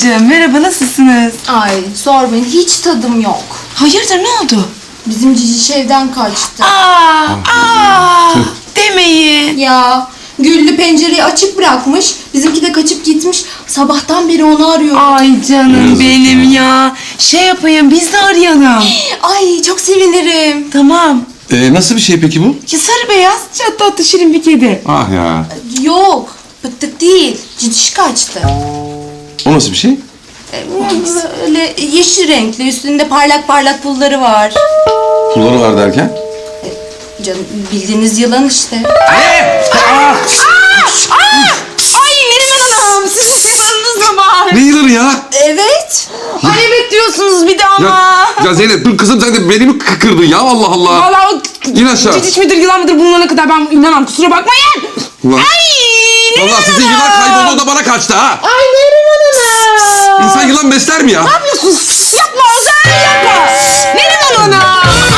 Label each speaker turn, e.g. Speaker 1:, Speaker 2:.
Speaker 1: Hanımcığım merhaba, nasılsınız?
Speaker 2: Ay sormayın, hiç tadım yok.
Speaker 1: Hayırdır, ne oldu?
Speaker 2: Bizim Cici evden kaçtı.
Speaker 1: Demeyin.
Speaker 2: Ya Güllü pencereyi açık bırakmış. Bizimki de kaçıp gitmiş. Sabahtan beri onu arıyor.
Speaker 1: Ay canım benim ya. Şey yapayım, biz de arayalım.
Speaker 2: Ay çok sevinirim.
Speaker 1: Tamam.
Speaker 3: Nasıl bir şey peki bu?
Speaker 1: Ya sarı beyaz, çatlı atlı şirin bir kedi.
Speaker 3: Ah ya.
Speaker 2: Yok, pıttık değil. Cici kaçtı.
Speaker 3: O nasıl bir şey?
Speaker 2: Böyle yeşil renkli, üstünde parlak parlak pulları var.
Speaker 3: Pulları var derken?
Speaker 2: Canım bildiğiniz yılan işte.
Speaker 1: Ay Neriman Hanım, sizin yılanınız mı var?
Speaker 3: Ne yılanı ya?
Speaker 2: Evet.
Speaker 1: Ay evet diyorsunuz bir de ama.
Speaker 3: Ya Zeynep dur kızım, sen de beni mi kırdın ya, Allah Allah.
Speaker 1: Vallahi o
Speaker 3: İn aşağı.
Speaker 1: ciciş midir yılan mıdır bulunana kadar ben inanmam, kusura bakmayın.
Speaker 3: Ulan.
Speaker 1: Ay Neriman
Speaker 3: Vallahi sizin yılan kaybolduğunda bana kaçtı ha.
Speaker 1: Ay Neriman Hanım.
Speaker 3: İnsan yılan besler mi ya?
Speaker 1: Ne yapıyorsunuz?